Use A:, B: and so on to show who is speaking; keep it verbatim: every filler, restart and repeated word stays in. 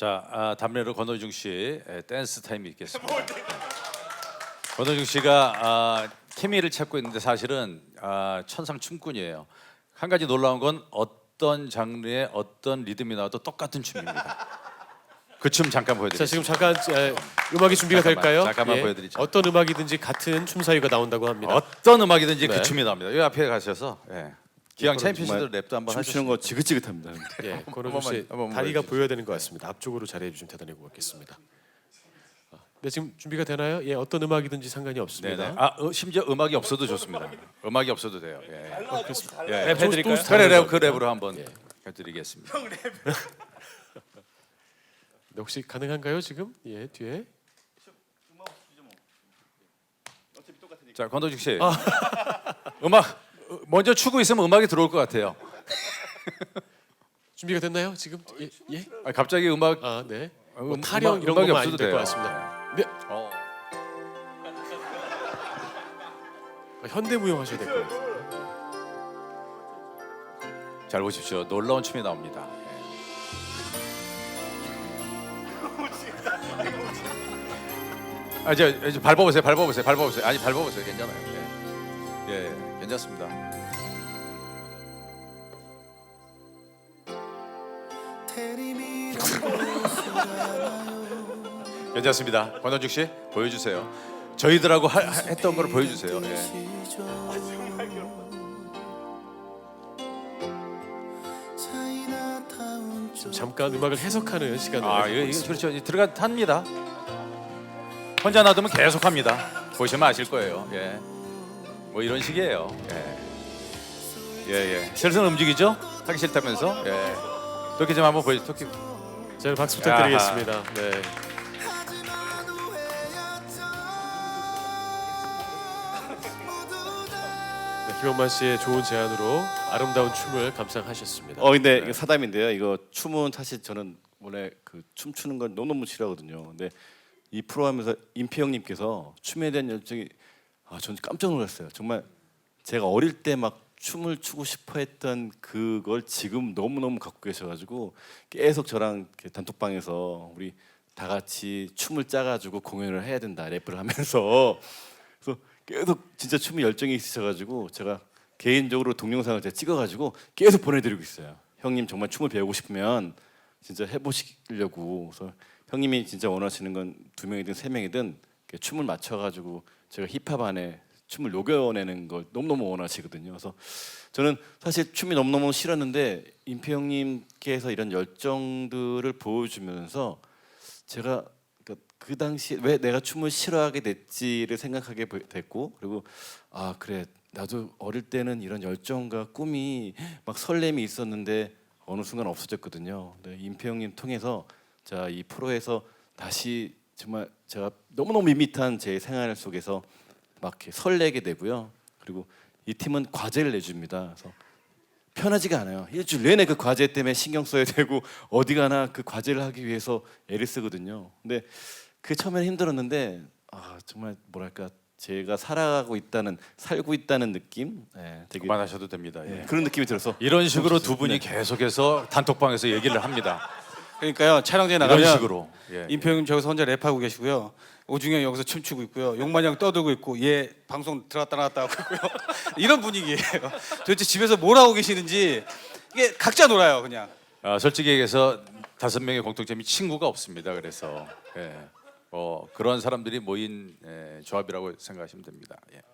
A: 자, 아, 담례로 권호중 씨 에, 댄스 타임이 있겠습니다. 권호중 씨가 아, 케미를 찾고 있는데 사실은 아, 천상 춤꾼이에요. 한 가지 놀라운 건 어떤 장르의 어떤 리듬이 나와도 똑같은 춤입니다. 그 춤 잠깐 보여드릴게요.
B: 자, 지금 잠깐 에, 음악이 준비가
A: 잠깐만,
B: 될까요?
A: 잠깐만 보여드리죠.
B: 어떤 음악이든지 같은 춤 사위가 나온다고 합니다.
A: 어떤 음악이든지
B: 네.
A: 그 춤이 나옵니다. 여기 앞에 가셔서 예. 기왕 챔피언시드 랩도 한번
C: 춤추는 거 지긋지긋합니다.
B: 예, 권호중
A: 번만,
B: 씨
A: 한 번만
B: 다리가
A: 보여주세요.
B: 보여야 되는 것 같습니다. 앞쪽으로 자리해 주시면 대단히 고맙겠습니다. 아, 네, 지금 준비가 되나요? 예, 어떤 음악이든지 상관이 없습니다.
A: 네네. 아, 어, 심지어 음악이 없어도 좋습니다. 음악이 없어도 돼요. 예.
B: 어, 그렇습니다.
A: 예.
B: 랩 해드릴까요?
A: 또 그래, 랩, 그 랩으로 한번
B: 예.
A: 해드리겠습니다.
B: 네, 혹시 가능한가요 지금? 예, 뒤에.
A: 자, 권도직 씨. 음악 먼저 추고 있으면 음악이 들어올 것 같아요.
B: 준비가 됐나요 지금? 예, 예?
A: 아, 갑자기 음악
B: 아, 네.
A: 음,
B: 뭐 타령
A: 음악-
B: 이런
A: 음악이
B: 것만
A: 없어도
B: 아니면 될 것
A: 돼요.
B: 같습니다. 네,
A: 어.
B: 아, 현대무용 하셔야 될 것 같아요.
A: 잘 보십시오. 놀라운 춤이 나옵니다. 예. 아, 이제, 이제 밟아보세요. 밟아보세요. 밟아보세요. 아니, 밟아보세요. 괜찮아요. 예, 예 괜찮습니다. 괜찮습니다. 권원중 씨 보여주세요. 저희들하고 하, 하- 했던 걸 보여주세요. 예.
B: 지금 잠깐 음악을 해석하는 시간을
A: 아,
B: 갖고
A: 이거, 이거
B: 있습니다.
A: 그렇죠. 이제 들어가 탑니다. 혼자 놔두면 계속 합니다. 보시면 아실 거예요. 예. 뭐 이런 식이에요. 예. 예, 예. 슬슬 움직이죠? 하기 싫다면서. 예. 토끼 좀 한번 보여주세요. 토끼.
B: 자, 박수 부탁드리겠습니다. 네. 네, 김영만 씨의 좋은 제안으로 아름다운 춤을 감상하셨습니다.
C: 어 근데 이거 사담인데요. 이거 춤은 사실 저는 원래 그 춤추는 건 너무너무 싫어하거든요. 근데 이 프로 하면서 임피 형님께서 춤에 대한 열정이 아 저는 깜짝 놀랐어요. 정말 제가 어릴 때 막 춤을 추고 싶어 했던 그걸 지금 너무너무 갖고 계셔가지고 계속 저랑 이렇게 단톡방에서 우리 다 같이 춤을 짜가지고 공연을 해야 된다 래프를 하면서 그래서 계속 진짜 춤에 열정이 있으셔가지고 제가 개인적으로 동영상을 제가 찍어가지고 계속 보내드리고 있어요. 형님 정말 춤을 배우고 싶으면 진짜 해보시려고. 그래서 형님이 진짜 원하시는 건 두 명이든 세 명이든 이렇게 춤을 맞춰가지고 제가 힙합 안에 춤을 녹여내는 걸 너무너무 원하시거든요. 그래서 저는 사실 춤이 너무너무 싫었는데 임피 형님께서 이런 열정들을 보여주면서 제가 그러니까 그 당시에 왜 내가 춤을 싫어하게 됐지를 생각하게 됐고 그리고 아 그래 나도 어릴 때는 이런 열정과 꿈이 막 설렘이 있었는데 어느 순간 없어졌거든요. 네, 임피 형님 통해서 자 이 프로에서 다시 정말 제가 너무너무 밋밋한 제 생활 속에서 막 이렇게 설레게 되고요. 그리고 이 팀은 과제를 내줍니다. 그래서 편하지가 않아요. 일주일 내내 그 과제 때문에 신경 써야 되고 어디 가나 그 과제를 하기 위해서 애를 쓰거든요. 근데 그 처음에는 힘들었는데 아 정말 뭐랄까 제가 살아가고 있다는 살고 있다는 느낌, 예, 되게
A: 그만하셔도 됩니다.
C: 예,
A: 예.
C: 그런 느낌이 들어서
A: 이런 식으로 두 분이 계속해서 단톡방에서 얘기를 합니다.
D: 그러니까요 촬영장에
A: 이런
D: 나가면
A: 식으로. 예.
D: 임표 형님 저기서 혼자 랩하고 계시고요, 오중이 형 여기서 춤추고 있고요, 용만이 형 떠들고 있고 얘 방송 들어갔다 나갔다 하고 있고요. 이런 분위기예요. 도대체 집에서 뭘 하고 계시는지 이게 각자 놀아요 그냥.
A: 아, 솔직히 얘기해서 다섯 명의 공통점이 친구가 없습니다. 그래서 예. 어, 그런 사람들이 모인 예, 조합이라고 생각하시면 됩니다. 예.